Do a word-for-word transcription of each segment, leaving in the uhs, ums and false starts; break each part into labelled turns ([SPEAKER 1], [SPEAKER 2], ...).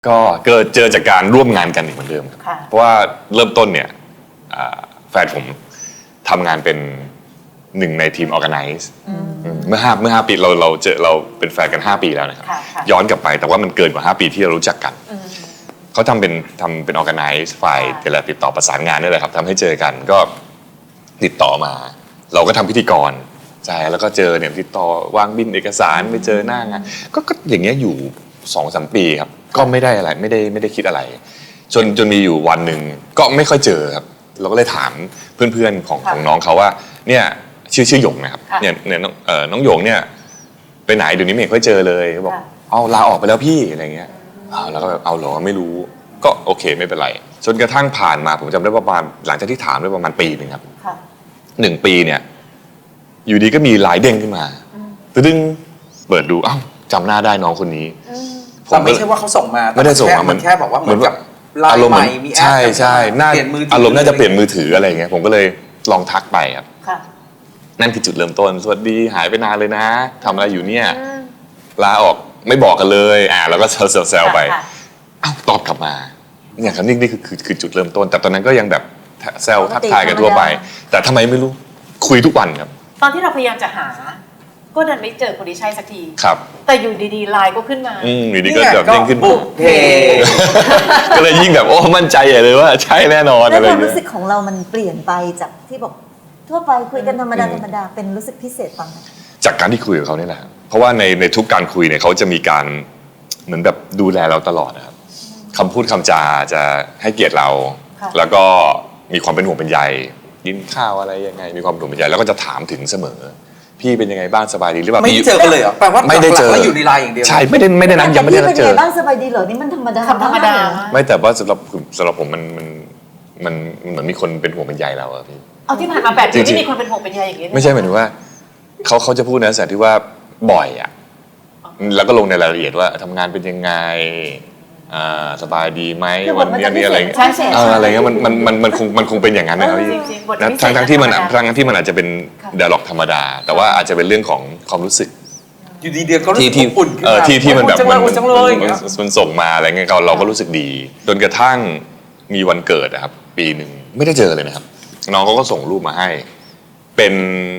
[SPEAKER 1] ก็เกิดเจอจากการร่วมงานกันอีกเหมือนเดิมครับเพราะว่าเริ่มต้นเนี่ยแฟนผมทำงานเป็นหนึ่งในทีม Organize เมื่อห้าเมื่อห้าปีเราเราเจอเราเป็นแฟนกันห้าปีแล้วนะครับย้อนกลับไปแต่ว่ามันเกินกว่าห้าปีที่เรารู้จักกันเขาทำเป็นทำเป็น Organize ฝ่ายแต่ละติดต่อประสานงานนี่แหละครับทำให้เจอกันก็ติดต่อมาเราก็ทำพิธีกรใช่แล้วก็เจอเนี่ยติดต่อวางบินเอกสารไปเจอหน้างานก็ก็อย่างเงี้ยอยู่สองสามปีครับก็ไม่ได้อะไรไม่ได้ไม่ได้คิดอะไรจนจนมีอยู่วันหนึ่งก็ไม่ค่อยเจอครับเราก็เลยถามเพื่อนๆของของน้องเขาว่าเนี่ยชื่อชื่อหยงนะครับเนี่ยเนี่ยน้องเอ่อน้องหยงเนี่ยไปไหนเดี๋ยวนี้ไม่ค่อยเจอเลยเขาบอกเอาลาออกไปแล้วพี่อะไรเงี้ยแล้วก็แบบเอาเหรอไม่รู้ก็โอเคไม่เป็นไรจนกระทั่งผ่านมาผมจำได้ว่าประมาณหลังจากที่ถามได้ประมาณปีหนึ่งครับหนึ่งปีเนี่ยอยู่ดีก็มีไลน์เด้งขึ้นมาตึ้งเปิดดูอ้าวจำหน้าได้น้องคนนี้
[SPEAKER 2] แต่ไม่ใช่ว่าเขาส่งมา
[SPEAKER 1] ไม่ได้ส่งมา
[SPEAKER 2] มันแค่บอกว่าเหมือนกับ
[SPEAKER 1] อารมณ์ใช่ใช่น่าอารมณ์น่าจะเปลี่ยนมือถืออะไรเงี้ยผมก็เลยลองทักไปครับนั่นคือจุดเริ่มต้นสวัสดีหายไปนานเลยนะทำอะไรอยู่เนี่ยลาออกไม่บอกกันเลยอ่าแล้วก็แซวๆไปอ้าวตอบกลับมาเนี่ยครับนี่นี่คือคือจุดเริ่มต้นแต่ตอนนั้นก็ยังแบบแซวทักทายกันทั่วไปแต่ทำไมไม่รู้คุยทุกวันครับ
[SPEAKER 3] ตอนที่เราพยายามจะหาก็ดันไม่เจอคนที่ใช่สักที
[SPEAKER 1] ครับ
[SPEAKER 3] แต่อยู่ดีๆไลน์ก็ขึ้นมา
[SPEAKER 1] อืมอยู่ดีก็แบบเด้งขึ้น
[SPEAKER 2] บุกเพ
[SPEAKER 1] ก็เลยยิ่งแบบโอ้มั่นใจใหญ่เลยว่าใช่แน่นอนอะไร
[SPEAKER 4] แล้วความรู้สึกของเรามันเปลี่ยนไปจากที่บอกทั่วไปคุยกันธรรมดาธรรมดาเป็นรู้สึกพิเศษตอนนั้น
[SPEAKER 1] จากการที่คุยกับเขาเนี่ยแหละเพราะว่าในในทุกการคุยเนี่ยเขาจะมีการเหมือนแบบดูแลเราตลอดนะครับคำพูดคำจาจะให้เกียรติเราแล้วก็มีความเป็นห่วงเป็นใยกินข้าวอะไรยังไงมีความเป็นห่วงเป็นใยแล้วก็จะถามถึงเสมอพี่เป็นยังไงบ้างสบายดีหรือเปล่า
[SPEAKER 2] ไม่เจอกันเลยเหรอแปลว่า
[SPEAKER 1] ไม่ได้เจอ
[SPEAKER 2] แล้วอยู่ในไลน์อย่างเดียว
[SPEAKER 1] ใช่ไม่ได้ไม่ได้นัดยังไม่ได้นัดเจอ
[SPEAKER 4] บ้างสบายดีเหรอนี่มันธรรมดา
[SPEAKER 3] ธรรมดา
[SPEAKER 1] ไม่แต่ว่าสำหรับสำหรับผมมันมันมันเหมือนมีคนเป็นห่วงเป็นใยเราอะพี่
[SPEAKER 3] เอาที่ผ่านมาแปดปีไม่มีคนเป็นห่วงเป็นใยอย่างนี้
[SPEAKER 1] ไม่ใช่หมายถึงว่าเขาเขาจะพูดในลักษณะที่ว่าบ่อยอะแล้วก็ลงในรายละเอียดว่าทำงานเป็นยังไงสบายดีไหมวันนี้นี่อะไรอะไรเงี้ยมันมันมันมันคงมันคงเป็นอย่างนั้นนะครับพี่ทั้งทั้งที่มันทั้งที่มันอาจจะเป็นไดอะล็อกธรรมดาแต่ว่าอาจจะเป็นเรื่องของความรู้สึก
[SPEAKER 2] อยู่ดีเดียวก็รู้สึกอุ่นขึ้นมา
[SPEAKER 1] ที่ที่มันแบบมันมันส่งมาอะไรเงี้ยเราก็รู้สึกดีจนกระทั่งมีวันเกิดนะครับปีหนึ่งไม่ได้เจอเลยนะครับน้องเขาก็ส่งรูปมาให้เป็น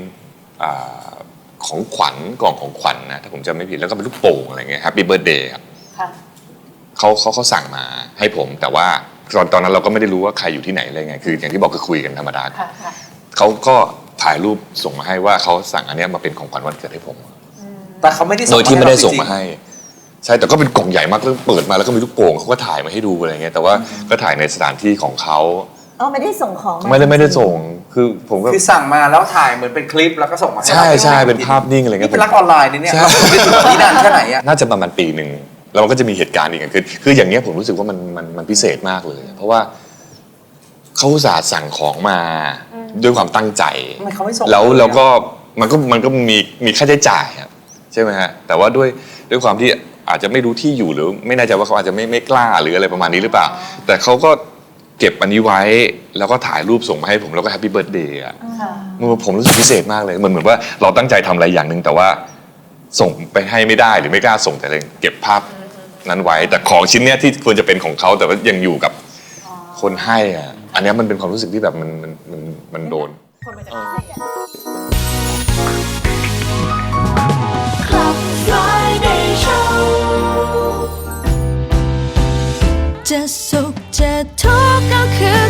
[SPEAKER 1] ของขวัญกล่องของขวัญนะถ้าผมจำไม่ผิดแล้วก็เป็นลูกโป่งอะไรเงี้ย Happy Birthday ครับเขาเขาเขาสั่งมาให้ผมแต่ว่าตอนตอนนั้นเราก็ไม่ได้รู้ว่าใครอยู่ที่ไหนอะไรไงคืออย่างที่บอกคือคุยกันธรรมดาเขาก็ถ่ายรูปส่งมาให้ว่าเขาสั่งอันนี้มาเป็นของขวัญวันเกิดให้ผม
[SPEAKER 2] แต่เขาไม่ได้
[SPEAKER 1] โดยที่ไม่ได้ส่งมาให้ใช่แต่ก็เป็นกล่องใหญ่มากเปิดมาแล้วก็มีลูกโป่งเขาก็ถ่ายมาให้ดูอะไรเงี้ยแต่ว่าก็ถ่ายในสถานที่ของเขา
[SPEAKER 4] อ๋อไม่ได้ส่งของ
[SPEAKER 1] ไม่ได้ไม่ได้ส่งคือผมก็
[SPEAKER 2] คือสั่งมาแล้วถ่ายเหมือนเป็นคลิปแล้วก็ส่งมาให้
[SPEAKER 1] ใช่ใช่เป็นภาพนิ่งอะไรเงี้ย
[SPEAKER 2] เป็นรักออนไลน์นี่เนี่ยเป็นถึงวันนี้นานแค่ไหนอะ
[SPEAKER 1] น่าจะประมาณปีหนึ่งแล้วมันก็จะมีเหตุการณ์อีกคือคืออย่างเงี้ยผมรู้สึกว่ามันมันมันพิเศษมากเลยเพราะว่าเขาอุตส่าห์สั่งของมาด้วยความตั้งใจแล้วแล้วก็มันก็มันก็มีมีค่าใช้จ่ายครับใช่ไหมฮะแต่ว่าด้วยด้วยความที่อาจจะไม่รู้ที่อยู่หรือไม่แน่ใจว่าเขาอาจจะไม่ไม่กล้าหรืออะไรประมาณนี้หรือเปล่าแต่เขาก็เก็บอันนี้ไว้แล้วก็ถ่ายรูปส่งมาให้ผมแล้วก็แฮปปี้เบิร์ธเดย์อ่ะผมรู้สึกพิเศษมากเลยเหมือนเหมือนว่าเราตั้งใจทำอะไรอย่างหนึ่งแต่ว่าส่งไปให้ไม่ได้หรือไม่กล้าส่งแต่เลยเก็บภาพนั้นไว้แต่ของชิ้นเนี้ยที่ควรจะเป็นของเขาแต่ว่ายังอยู่กับคนให้อ่ะอันนี้มันเป็นความรู้สึกที่แบบมันมันมันมันโดน
[SPEAKER 5] จะสุขจะทุกข์ก็คือ